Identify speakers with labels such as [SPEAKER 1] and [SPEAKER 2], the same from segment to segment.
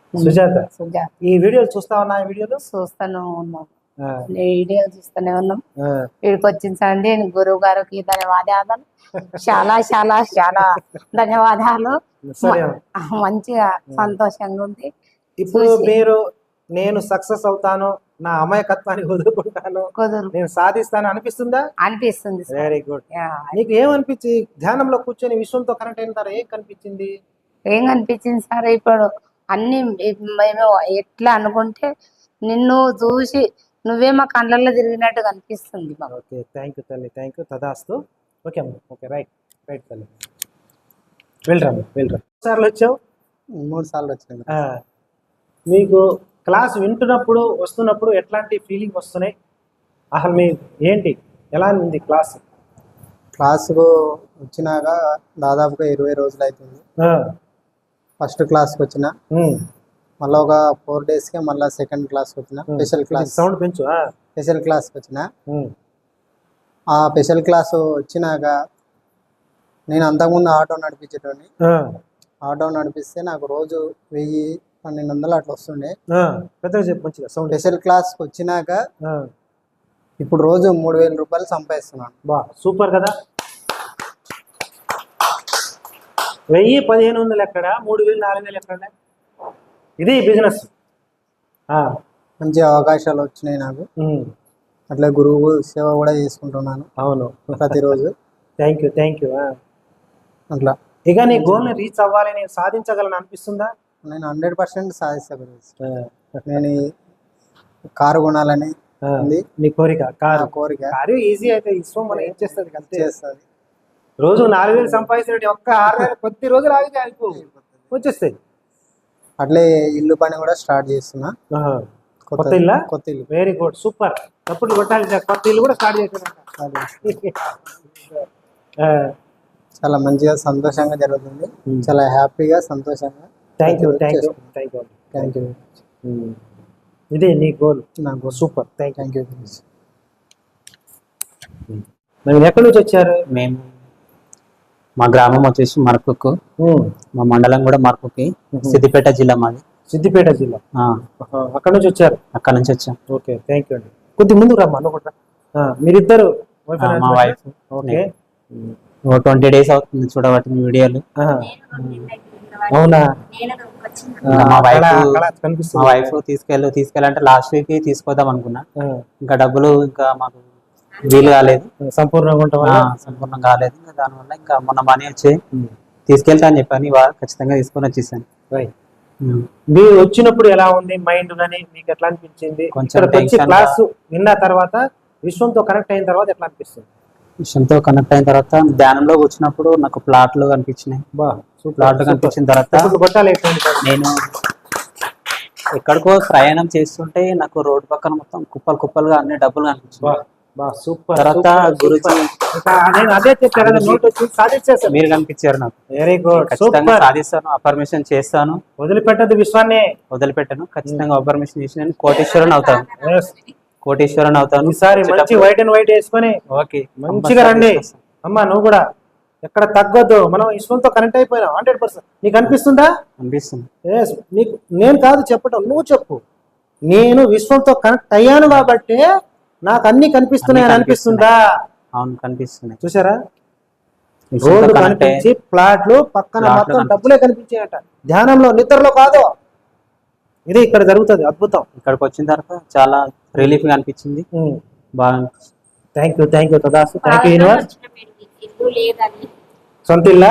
[SPEAKER 1] సుజాత.
[SPEAKER 2] సుజాత.
[SPEAKER 1] ఈ వీడియోలు చూస్తా ఉన్నా? ఈ వీడియోలు
[SPEAKER 2] చూస్తూనే ఉన్నాం, వీడియోలు చూస్తూనే ఉన్నాం. వీడికి వచ్చిన సండి గురువు గారికి ధన్యవాదాలు, చాలా చాలా చాలా ధన్యవాదాలు. మంచిగా సంతోషంగా ఉంది.
[SPEAKER 1] ఇప్పుడు మీరు నేను సక్సెస్ అవుతాను, నా అమాయకత్వాన్ని వదులుకుంటాను, నేను సాధిస్తాను అనిపిస్తుందా?
[SPEAKER 2] అనిపిస్తుంది.
[SPEAKER 1] Very good. నీకు ఏమనిపించి ధ్యానంలో కూర్చొని విశ్వంతో కనెక్ట్ అయిన తర్వాత ఏం కనిపించింది?
[SPEAKER 2] ఏం కనిపించింది సార్, ఇప్పుడు అన్ని మేము ఎట్లా అనుకుంటే నిన్ను చూసి నువ్వే మా కళ్ళల్లో తిరిగినట్టు కనిపిస్తుంది.
[SPEAKER 1] ఓకే, థ్యాంక్ యూ తల్లి, థ్యాంక్ యూ. తదాస్తు. ఓకే అమ్మ, ఓకే, రైట్ రైట్ తల్లి. వెళ్ళరా సార్లు వచ్చావు?
[SPEAKER 3] 3 సార్లు వచ్చాను.
[SPEAKER 1] మీకు క్లాస్ వింటున్నప్పుడు వస్తున్నప్పుడు ఎట్లాంటి ఫీలింగ్ వస్తున్నాయి? అసలు మీ ఏంటి, ఎలా ఉంది క్లాస్?
[SPEAKER 3] క్లాసుకు వచ్చినాక దాదాపుగా 20 రోజులు అవుతుంది. ఫస్ట్ క్లాస్కి వచ్చిన, మళ్ళీ ఒక 4 డేస్కే మళ్ళీ సెకండ్ క్లాస్కి వచ్చిన. స్పెషల్ క్లాస్
[SPEAKER 1] సౌండ్ పెంచు.
[SPEAKER 3] స్పెషల్ క్లాస్కి వచ్చిన. ఆ స్పెషల్ క్లాస్ వచ్చినాక నేను అంతకుముందు ఆటో నడిపించేటోని. ఆటో నడిపిస్తే నాకు రోజు 1000-1200 అట్లా వస్తుండే. స్పెషల్ క్లాస్కి వచ్చినాక ఇప్పుడు రోజు 3000 రూపాయలు సంపాదిస్తున్నాను.
[SPEAKER 1] బా, సూపర్ కదా. 1000-1500 ఎక్కడ, 3000-4000 ఎక్కడ? ఇది బిజినెస్.
[SPEAKER 3] మంచి అవకాశాలు వచ్చినాయి నాకు. అట్లా గురువు సేవ కూడా చేసుకుంటున్నాను.
[SPEAKER 1] అవును,
[SPEAKER 3] ప్రతిరోజు.
[SPEAKER 1] Thank you, thank you.
[SPEAKER 3] అట్లా
[SPEAKER 1] ఇక నీ గోల్ని రీచ్ అవ్వాలి, నేను సాధించగలను అనిపిస్తుందా?
[SPEAKER 3] నేను 100% సాధిస్తాను. నేను కారు కొనాలని ఉంది.
[SPEAKER 1] నీ కోరిక?
[SPEAKER 3] కోరిక.
[SPEAKER 1] కారు ఈజీ అయితే విశ్వం మనం ఏం చేస్తుంది?
[SPEAKER 3] చేస్తుంది.
[SPEAKER 1] రోజు 4000 సంపాదించినట్టు ఒక్క 6000 కొద్ది రోజులు ఆగితే వచ్చేస్తాయి.
[SPEAKER 3] అట్లే ఇల్లు పని కూడా స్టార్ట్ చేస్తున్నా.
[SPEAKER 1] కొత్త ఇల్లు?
[SPEAKER 3] కొత్త ఇల్లు.
[SPEAKER 1] Very good, super. తప్పుడు కొట్టాలి. కొత్త ఇల్లు కూడా స్టార్ట్ చేస్తున్నా.
[SPEAKER 3] చాలా మంచిగా సంతోషంగా జరుగుతుంది. చాలా హ్యాపీగా సంతోషంగా.
[SPEAKER 1] Thank you, thank you, thank you, thank you. ఇదే నీ గోల్?
[SPEAKER 3] నా గోల్.
[SPEAKER 1] Super, thank you.
[SPEAKER 4] మీరు
[SPEAKER 1] ఎక్కడి నుంచి వచ్చారు?
[SPEAKER 4] మేము మా గ్రామం వచ్చేసి మరకుక్కు, మా మండలం కూడా మరకుక్కి, సిద్దిపేట జిల్లా మాది.
[SPEAKER 1] సిద్దిపేట జిల్లా. అక్కడ నుంచి వచ్చారు?
[SPEAKER 4] అక్కడ నుంచి వచ్చాం.
[SPEAKER 1] ఓకే, థ్యాంక్ యూ అండి. కొద్ది ముందు రమ్మా అనుకుంటా. మీరిద్దరు?
[SPEAKER 4] మా వైఫ్.
[SPEAKER 1] ఓకే,
[SPEAKER 4] 20 డేస్ అవుతుంది చూడబట్టి మీ వీడియోలు.
[SPEAKER 1] అవునా?
[SPEAKER 4] మా వైఫ్ తీసుకెళ్ళాలంటే లాస్ట్ వీక్ తీసుకొద్దాం అనుకున్నా. ఇంకా డబ్బులు ఇంకా మాకు వీలు కాలేదు, సంపూర్ణంగా కాలేదు. దానివల్ల ఇంకా మొన్న మనీ వచ్చి తీసుకెళ్తా అని చెప్పని ఖచ్చితంగా తీసుకొని వచ్చేసాను.
[SPEAKER 1] మీరు వచ్చినప్పుడు ఎలా ఉంది మైండ్ గానీ, మీకు ఎట్లా అనిపించింది?
[SPEAKER 4] కొంచెం
[SPEAKER 1] క్లాస్ విన్న తర్వాత, విశ్వంతో కనెక్ట్ అయిన తర్వాత ఎట్లా అనిపిస్తుంది?
[SPEAKER 4] విషయంతో కనెక్ట్ అయిన తర్వాత ధ్యానంలో వచ్చినప్పుడు నాకు ప్లాట్లు కనిపించినాయి. ప్లాట్లు కనిపించిన తర్వాత నేను ఎక్కడికో ప్రయాణం చేస్తుంటే నాకు రోడ్డు పక్కన మొత్తం కుప్పలు కుప్పలుగా అన్ని డబ్బులు కనిపించాయి. తర్వాత గురుజీ మీరు కనిపించారు నాకు.
[SPEAKER 1] వెరీ గుడ్,
[SPEAKER 4] ఖచ్చితంగా సాధిస్తాను, అఫర్మేషన్ చేస్తాను,
[SPEAKER 1] వదిలిపెట్టదు విశ్వాన్ని,
[SPEAKER 4] వదిలిపెట్టను. ఖచ్చితంగా అఫర్మేషన్ చేసి నేను కోటేశ్వరుని అవుతాను. కోటేశ్వరుని అవుతాను.
[SPEAKER 1] ఈసారి మంచి వైట్ అండ్ వైట్ వేసుకొని
[SPEAKER 4] ఓకే
[SPEAKER 1] మంచిగా రండి అమ్మా. నువ్వు కూడా ఎక్కడ తగ్గొద్దు. మనం విశ్వంతో కనెక్ట్ అయిపోయినాం 100%. నీకు అనిపిస్తుందా?
[SPEAKER 4] అనిపిస్తుంది.
[SPEAKER 1] నీకు నేను కాదు చెప్పటం, నువ్వు చెప్పు. నేను విశ్వంతో కనెక్ట్ అయ్యాను కాబట్టి నాకు అన్ని కనిపిస్తున్నాయని అనిపిస్తుందా?
[SPEAKER 4] అవును, కనిపిస్తున్నాయి.
[SPEAKER 1] చూసారా? రోడ్డు కనిపించి ప్లాట్లు పక్కన మొత్తం డబ్బులే కనిపించాయట. ధ్యానంలో, నిద్రలో కాదు. ఇది ఇక్కడ జరుగుతుంది అద్భుతం.
[SPEAKER 4] ఇక్కడికి వచ్చిన తర్వాత చాలా రిలీఫ్ గా అనిపించింది. బాగా
[SPEAKER 1] థ్యాంక్ యూ, థ్యాంక్ యూ తదాసు, థ్యాంక్ యూ యూనివర్స్. సొంత ఇల్లు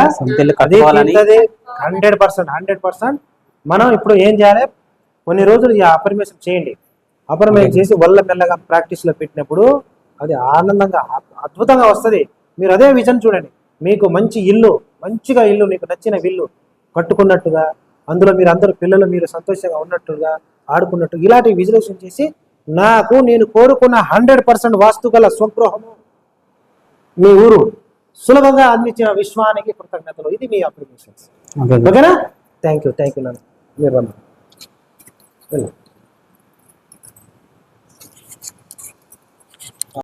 [SPEAKER 1] 100%. మనం ఇప్పుడు ఏం చేయాలి? కొన్ని రోజులు ఈ అఫర్మేషన్ చేయండి. అఫర్మేషన్ చేసి వల్ల మెల్లగా ప్రాక్టీస్ లో పెట్టినప్పుడు అది ఆనందంగా అద్భుతంగా వస్తుంది. మీరు అదే విజన్ చూడండి. మీకు మంచి ఇల్లు, మంచిగా ఇల్లు, మీకు నచ్చిన ఇల్లు కట్టుకున్నట్టుగా, అందులో మీరు అందరూ పిల్లలు మీరు సంతోషంగా ఉన్నట్టుగా ఆడుకున్నట్టు ఇలాంటి విజువలైజేషన్ చేసి నాకు నేను కోరుకున్న 100% వాస్తు గల స్వగృహము మీ ఊరు సులభంగా అందించిన విశ్వానికి కృతజ్ఞతలు. ఇది మీ అప్లికేషన్స్. ఓకేనా? Thank you, thank you. మీరు